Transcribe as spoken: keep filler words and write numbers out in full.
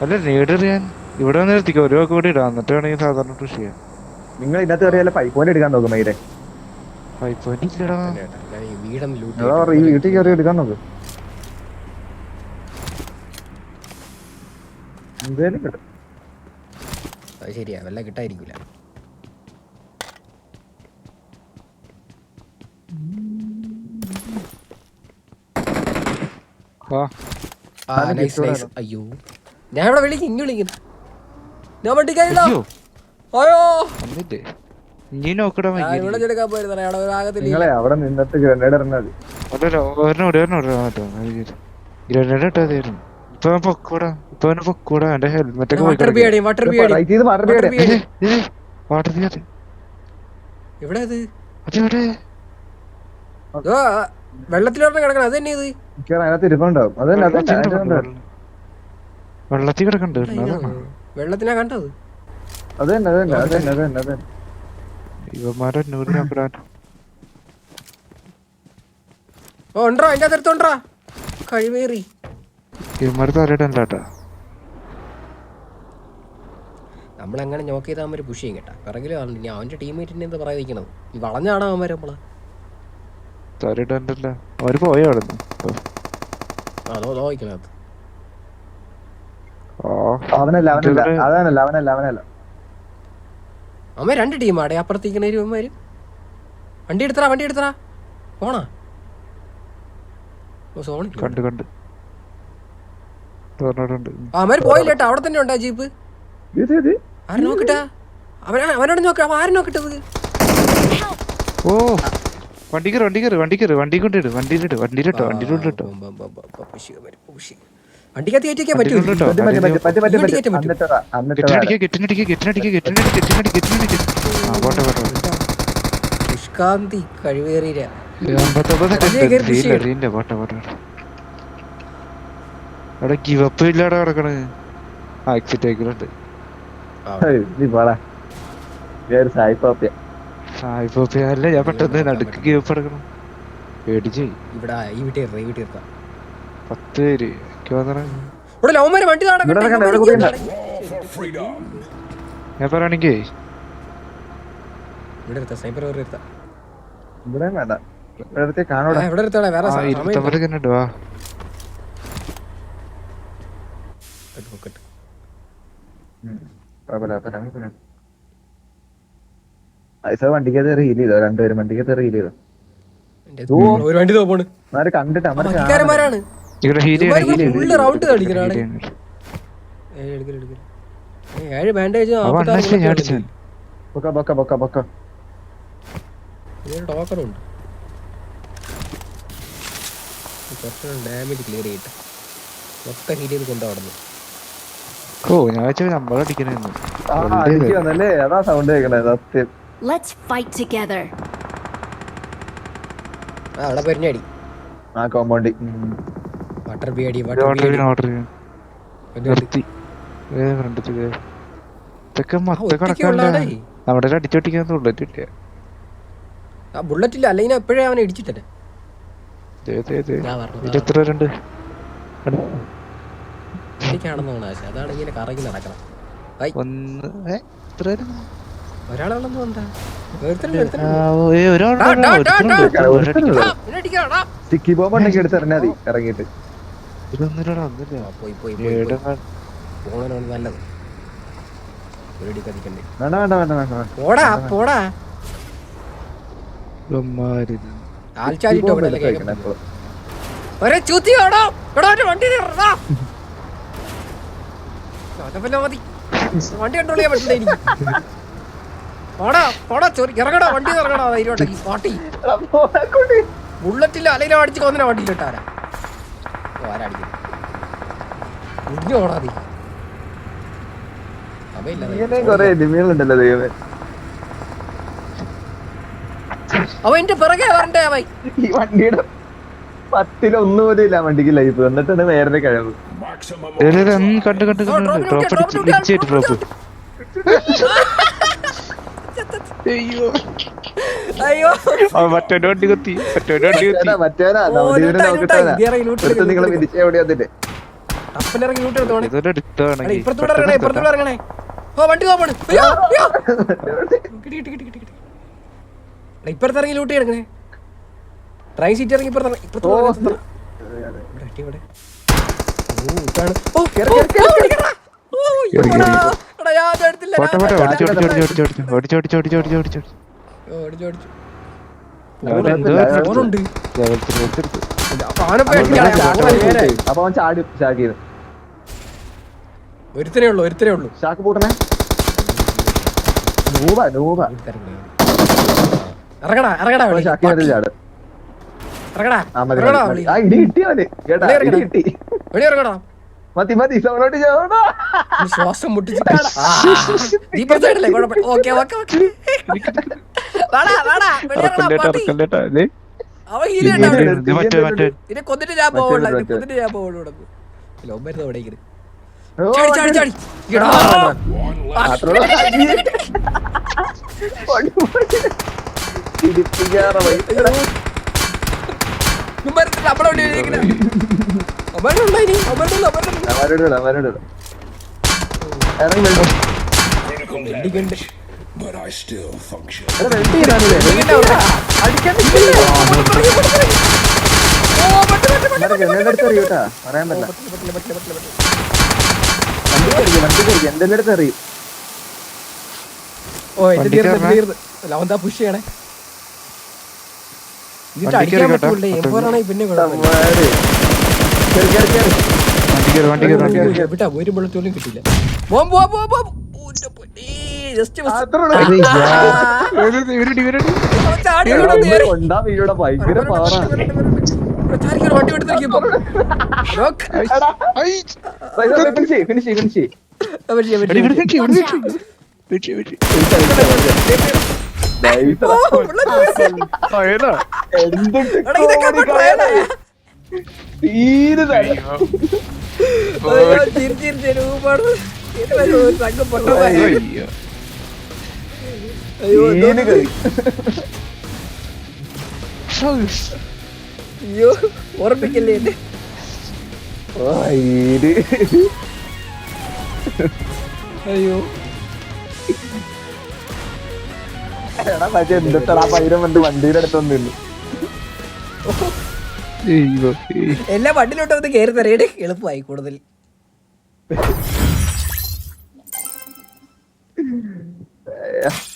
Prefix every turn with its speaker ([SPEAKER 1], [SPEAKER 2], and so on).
[SPEAKER 1] അല്ല നേടിയറിയാൻ ഇവിടെ വന്ന് നിർത്തിക്കോ ഒരു വാക്ക് കൂടി ഇടാം എന്നിട്ട് വേണമെങ്കിൽ സാധാരണ കൃഷി ചെയ്യാം.
[SPEAKER 2] നിങ്ങൾ ഇതിനകത്ത് കയറിയാലേ പൈപ്പോനെ എടുക്കാൻ നോക്കും മൈരെ.
[SPEAKER 1] പൈപ്പ് ഇല്ലടാ
[SPEAKER 3] ഞാൻ ഈ വീടൊന്ന് ലൂട്ട്
[SPEAKER 2] അതാ ഈ വീട്ടിൽ കയറി എടുക്കാൻ നോക്ക്. എന്തേലും കിട്ടും.
[SPEAKER 3] അത് ശരിയാ വല്ല കിട്ടായിരിക്കൂല.
[SPEAKER 1] ആ
[SPEAKER 3] ആ നൈസ് നൈസ്. അയ്യോ ഞാൻ ഇവിടെ വിളിക്കും ഇനി വിളിക്കുന്നു. ഞാൻ വണ്ടിക്കാരില്ല.
[SPEAKER 1] അയ്യോ
[SPEAKER 3] അയ്യോ
[SPEAKER 1] വന്നില്ലേ ഇനി നോക്കടാ
[SPEAKER 3] ഞാൻ ഇവിടെ ചെടുക്കാൻ പോയിരുന്നേ അവിടെ ഒരു ആകത്തില്ല.
[SPEAKER 2] നിങ്ങളെ അവിടെ നിന്നിട്ട് ഗ്രനേഡ് ഇറങ്ങാതി.
[SPEAKER 1] ഗ്രനേഡ് ഇട്ടാതായിരുന്നു. ഇപ്പൊ അവൻ പൊക്കൂടാ ഇപ്പൊ അവന് പൊക്കൂടാ എന്റെ ഹെൽമെറ്റ് ഒക്കെ
[SPEAKER 3] വാട്ടർ ബിയടി വാട്ടർ ബിയടി
[SPEAKER 2] റൈറ്റ് ചെയ്ത് വാട്ടർ ബിയഡ്.
[SPEAKER 1] വാട്ടർ തീയതി
[SPEAKER 3] എവിടെ അത്?
[SPEAKER 1] അതെവിടെ
[SPEAKER 3] ഓ വെള്ളത്തിലോട്ട് കിടക്കണം. അത് തന്നെ ഇത്
[SPEAKER 2] അതിനകത്ത് ഇരിപ്പുണ്ടാവും. അത് തന്നെ അത്
[SPEAKER 1] വെള്ളത്തിൽ കിടക്കണ്ട്
[SPEAKER 3] വെള്ളത്തിനാ കണ്ടത്.
[SPEAKER 2] അത് തന്നെ അത് തന്നെ അത് തന്നെ അത് തന്നെ അത് തന്നെ.
[SPEAKER 1] ഇവന്മാരെ നൂറ് നോക്കിടാൻ
[SPEAKER 3] ഓ ഉണ്ടോ അതിന്റെ അകത്ത് എടുത്തോണ്ടാ കഴിവേറി.
[SPEAKER 1] ഇവന്മാര് തലയിടണ്ടാട്ടാ.
[SPEAKER 3] നമ്മളെങ്ങനെ നോക്ക് ചെയ്താൽ അവന്മാര് പുഷ് ചെയ്യും കേട്ടാ. പിറകിൽ ഇനി അവന്റെ ടീംമേറ്റിനെ എന്താ പറയാതിരിക്കണത്? ഈ വളഞ്ഞാണോ അവന്മാര് നമ്മള്
[SPEAKER 1] തലയിടണ്ടല്ല അവര് പോയോ അവിടുന്ന്.
[SPEAKER 3] അതോ നോക്കണത്
[SPEAKER 2] അവനല്ല അവനല്ല അതാനല്ല അവനല്ല അവനല്ല
[SPEAKER 3] അമ്മ രണ്ട് ടീമാടെ അപ്പുറത്തേക്കണേര് അവന്മാര്. വണ്ടി എടുത്തറാ വണ്ടി എടുത്തറാ പോണാ. ഓ സോണി
[SPEAKER 1] കണ്ട് കണ്ട്
[SPEAKER 3] അവന്മാര് പോയില്ല കേട്ടോ. അവിടെ തന്നെ ഉണ്ടാ ജീപ്പ്.
[SPEAKER 2] ഇത് ഇത്
[SPEAKER 3] ആരും നോക്കിട്ടാ അവൻ അവനോട് നോക്ക. അവൻ ആരും നോക്കിട്ടത്.
[SPEAKER 1] ഓ വണ്ടി കയറി വണ്ടി കയറി വണ്ടി കയറി വണ്ടി കൊണ്ടിട്ട് വണ്ടിയിലിട്ട് വണ്ടിയിലിട്ടോ വണ്ടിയിലോട്ടോ
[SPEAKER 3] വണ്ടിക്കകത്ത് കയറ്റിക്കാൻ പറ്റൂല.
[SPEAKER 2] പറ്റി പറ്റി പറ്റി പറ്റി പറ്റി പറ്റി എന്നിട്ടതാ എന്നിട്ടതാ
[SPEAKER 1] കെട്ടിനടിക്കുക കെട്ടിനടിക്കുക കെട്ടിനടിക്കുക കെട്ടിനടി കെട്ടിനടി ആ പോട്ടെ പോട്ടെ
[SPEAKER 3] നിഷ്കാന്തി കഴിവേറിയ
[SPEAKER 1] പോട്ടെ പോട്ടെ അവിടെ ഗിവപ്പ് ഇല്ലാടെ കിടക്കണ്. ആ എക്സിറ്റ് ആയിക്കലുണ്ട്.
[SPEAKER 2] നീ പോടാ സായിപ്പാപ്പിയ
[SPEAKER 1] സായിപ്പോപ്പിയ അല്ല ഞാൻ പെട്ടെന്ന് നടുക്ക് ഗിവപ്പ് എടുക്കണം പേടിച്ച്.
[SPEAKER 3] ഇവിടെ ഈ വീട്ടിൽ ഈ വീട്ടിൽ ഇറക്കാം.
[SPEAKER 1] പത്ത് പേര്
[SPEAKER 3] ഇവിടെ ലവന്മാര് വണ്ടി
[SPEAKER 1] ഞാൻ പറയാണെങ്കിൽ
[SPEAKER 3] ഇവിടെ എടുത്താ സ്നൈപ്പർ വേറെ എടുത്താ
[SPEAKER 2] ഇവിടെ വേണ്ട ഇവിടത്തെ കാണൂടാ.
[SPEAKER 3] ഇവിടെ എടുത്താടാ വേറെ
[SPEAKER 1] ഇരുപത്തൊമ്പത് കണ്ടിട്ട് വാ.
[SPEAKER 2] വണ്ടിക്കകത്ത് റീൽ ചെയ്തോ രണ്ടുപേരും വണ്ടിക്കകത്ത് റീൽ ചെയ്തോ.
[SPEAKER 3] ഒരു വണ്ടി പോണ്
[SPEAKER 2] കണ്ടിട്ട്
[SPEAKER 3] അമ്മക്കാരന്മാരാണ്. Full round കളിക്കണാണ്. ഏഴ് ബാൻഡേജ് ടോക്കറുണ്ട്. കുറച്ച് ഡാമേജ് ക്ലിയർ ചെയ്തിട്ട് മൊത്തം ഹീറ്റ് ചെയ്ത് കൊണ്ടുപോകുന്നു.
[SPEAKER 1] ഓ ഞാൻ വെച്ചാൽ നമ്മളടിക്കണെന്ന്
[SPEAKER 2] അതാ സൗണ്ട് കേൾക്കണേ സത്യം.
[SPEAKER 4] Let's fight together.
[SPEAKER 3] ആ അവിടെ പെരിഞ്ഞടി
[SPEAKER 2] ആ കോമ്പൗണ്ടി
[SPEAKER 3] വാട്ടർ ബിയടി
[SPEAKER 1] ഓർഡർ ഓർഡർ നിർത്തി ഇതൊക്കെ മൊത്തം കണക്കല്ല. നമ്മുടെ അടിച്ചോട്ടിക്കാൻ ബുള്ളറ്റ് കിട്ടിയ
[SPEAKER 3] ആ ബുള്ളറ്റ് ഇല്ല അല്ലെങ്കിൽ എപ്പോഴേ അവനെ ഇടിച്ചിട്ടേ.
[SPEAKER 1] എത്ര പേരുണ്ട്
[SPEAKER 3] എനിക്കാണെന്ന് തോന്നാ. അതാണ് ഇങ്ങനെ കറങ്ങി നടക്കണം.
[SPEAKER 1] ഒന്ന്
[SPEAKER 3] ഒരാളെന്ന് എന്താ
[SPEAKER 2] സ്റ്റിക്കി ബോംബ് ഉണ്ടെങ്കിൽ എടുത്ത് എറിഞ്ഞാൽ മതി ഇറങ്ങിയിട്ട്.
[SPEAKER 3] പോയി പോയി പോണോന് നല്ലത്.
[SPEAKER 2] വേണ്ട വേണ്ട വേണ്ട വേണ്ട
[SPEAKER 3] പോടാ പോടാ ആൽച്ചാലിട്ടോ ഒരേ ചൂത്തിയോടോ വണ്ടി മതി. വണ്ടി കൺട്രോൾ ചെയ്യാൻ പറ്റില്ല എനിക്ക്. പോടാ പോടാ ചൊറി ഇറങ്ങടാ വണ്ടി ഇറങ്ങടാ ധൈര്യമായിട്ട്. ഈ പാട്ടി ബുള്ളറ്റില്ല അല്ലെങ്കിൽ അടിച്ച് കൊന്നിനെ വണ്ടിയിലിട്ടാരാ ആരടിക്കുന്നു മുടിഞ്ഞു പോടാ നീ.
[SPEAKER 2] കൊറേ നിമികളുണ്ടല്ലോ ദൈവമേ.
[SPEAKER 3] അവൻ എന്റെ പിറകെ വരണ്ടേ അവൻ.
[SPEAKER 2] ഈ വണ്ടിയുടെ പത്തിലൊന്നു പോലും ഇല്ല വണ്ടിക്ക് ലൈഫ്. എന്നിട്ടാണ് വേറെ കഴിവ്.
[SPEAKER 1] കണ്ട് കണ്ട് ഡ്രോപ്പ് അയ്യോ
[SPEAKER 3] അയ്യോ
[SPEAKER 1] മറ്റേ വണ്ടി കുത്തി മറ്റേ വണ്ടി കുത്തി
[SPEAKER 2] മറ്റേനാ നിങ്ങളെ വിരിച്ച എവിടെ വന്നിട്ട്
[SPEAKER 3] ടപ്പൻ ഇറങ്ങി ലൂട്ട് എടുത്തോണേ
[SPEAKER 1] ഇതൊരു എടുത്താണെങ്കിൽ
[SPEAKER 3] ഇപ്പുറത്തൂടെ ഇറങ്ങണേ ഇപ്പുറത്തൂടെ ഇറങ്ങണേ ഓ വണ്ടി പോകണം കിട്ടി കിട്ടി കിട്ടി കിട്ടി കിട്ടി ഇപ്പുറത്ത് ഇറങ്ങി ലൂട്ട് എടുക്കണേ ട്രെയിൻ സീറ്റ് ഇറങ്ങി ഇപ്പുറത്ത് ഇപ്പുറത്ത് ഇവിടെ
[SPEAKER 2] അപ്പൊ അവൻ ചാടി ഷാക്ക് ചെയ്തു.
[SPEAKER 3] ഒരുത്തരേ ഉള്ളൂ ഒരുത്തരേ ഉള്ളൂ
[SPEAKER 2] ഷാക്ക് പൂട്ടണേ. നൂബ നൂബ
[SPEAKER 3] ഇറങ്ങടാ ഇറങ്ങടാ
[SPEAKER 2] ഷാക്കിനകത്ത് ചാട്.
[SPEAKER 3] ഇറങ്ങടാ
[SPEAKER 2] ആ മതി മതി. ആ ഇടി കിട്ടി അവന് കേട്ടാ ഇടി കിട്ടി.
[SPEAKER 3] വെളി ഇറങ്ങടാ
[SPEAKER 2] മതി മതി സൗണ്ടോട്ട് ചാടാ.
[SPEAKER 3] ശ്വാസം മുട്ടിച്ച് ദീപ സൈഡല്ലേ കുഴപ്പമില്ല. ഓക്കെ ഓക്കെ ഓക്കെ വാടാ വാടാ വെളി ഇറങ്ങടാ പട്ടി. അവൻ ഹീലുണ്ട് അവിടെ. ഇതിനെ കൊന്നിട്ട് ഞാൻ പോവുള്ളൂ ഇതിനെ കൊന്നിട്ട് ഞാൻ പോവുള്ളൂ ഇവിടെ. ലോ മരുന്ന് അവിടെ ഇരിക്കുന്നു. ചാടി ചാടി ചാടി എടാ
[SPEAKER 5] But I still function.
[SPEAKER 2] പറയാൻ പറ്റില്ല. എന്തെല്ലാം അടുത്ത് അറിയും.
[SPEAKER 3] ഓ എന്റെ തീർന്ന് തീർന്ന് ലവന്താ പുഷ് ചെയ്യണേ. ഇതിട്ട് അടിക്കാൻ പറ്റൂല്ലേ എപ്പോഴാണ് പിന്നെ വിട്ടാ ഒരു ബുള്ളറ്റോലും കിട്ടില്ല.
[SPEAKER 2] ഭയങ്കര പാറാണ്.
[SPEAKER 3] വണ്ടി എടുത്തിരിക്കുമ്പോ
[SPEAKER 2] ഫിനിഷ് ഫിനിഷ്
[SPEAKER 3] അയ്യോ ഓർമ്മിക്കല്ലേ എന്നെ. അയ്യോ
[SPEAKER 2] എടാ മറ്റേ എന്തിട്ടാ പൈരം വണ്ടി വണ്ടിയുടെ അടുത്തൊന്നും ഇല്ല.
[SPEAKER 3] എല്ലാ വണ്ടിയിലോട്ട് ഒന്ന് കയറി തരയുടെ എളുപ്പമായി കൂടുതൽ.
[SPEAKER 2] Yeah.